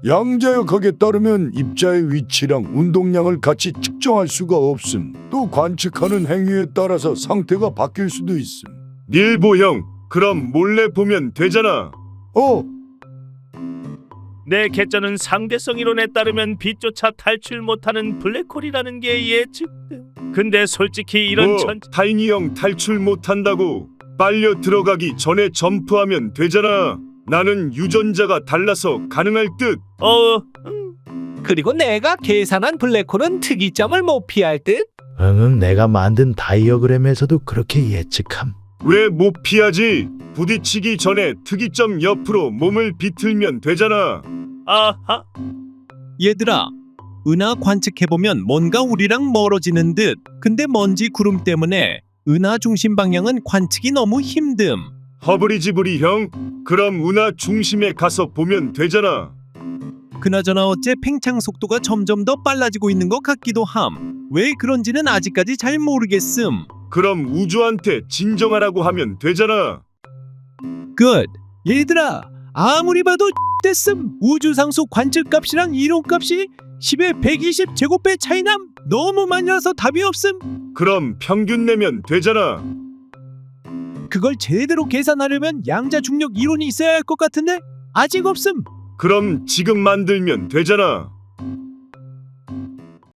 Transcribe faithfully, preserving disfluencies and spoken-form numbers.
양자역학에 따르면 입자의 위치랑 운동량을 같이 측정할 수가 없음. 또 관측하는 행위에 따라서 상태가 바뀔 수도 있음. 닐보 형, 그럼 몰래 보면 되잖아. 어? 내 개쩌는 상대성 이론에 따르면 빛조차 탈출 못하는 블랙홀이라는 게 예측됨. 근데 솔직히 이런 뭐, 천... 타이니 형 탈출 못한다고 빨려 들어가기 전에 점프하면 되잖아. 나는 유전자가 달라서 가능할 듯. 어... 음. 그리고 내가 계산한 블랙홀은 특이점을 못 피할 듯. 응응, 내가 만든 다이어그램에서도 그렇게 예측함. 왜 못 피하지? 부딪히기 전에 특이점 옆으로 몸을 비틀면 되잖아. 아하. 얘들아, 은하 관측해보면 뭔가 우리랑 멀어지는 듯. 근데 먼지 구름 때문에 은하 중심 방향은 관측이 너무 힘듦. 허브리지브리 형, 그럼 은하 중심에 가서 보면 되잖아. 그나저나 어째 팽창 속도가 점점 더 빨라지고 있는 것 같기도 함. 왜 그런지는 아직까지 잘 모르겠음. 그럼 우주한테 진정하라고 하면 되잖아. 끝. 얘들아, 아무리 봐도 됐음. 우주상수 관측값이랑 이론값이 십에 백이십 제곱배 차이남. 너무 많이 나서 답이 없음. 그럼 평균 내면 되잖아. 그걸 제대로 계산하려면 양자 중력 이론이 있어야 할 것 같은데 아직 없음. 그럼 지금 만들면 되잖아.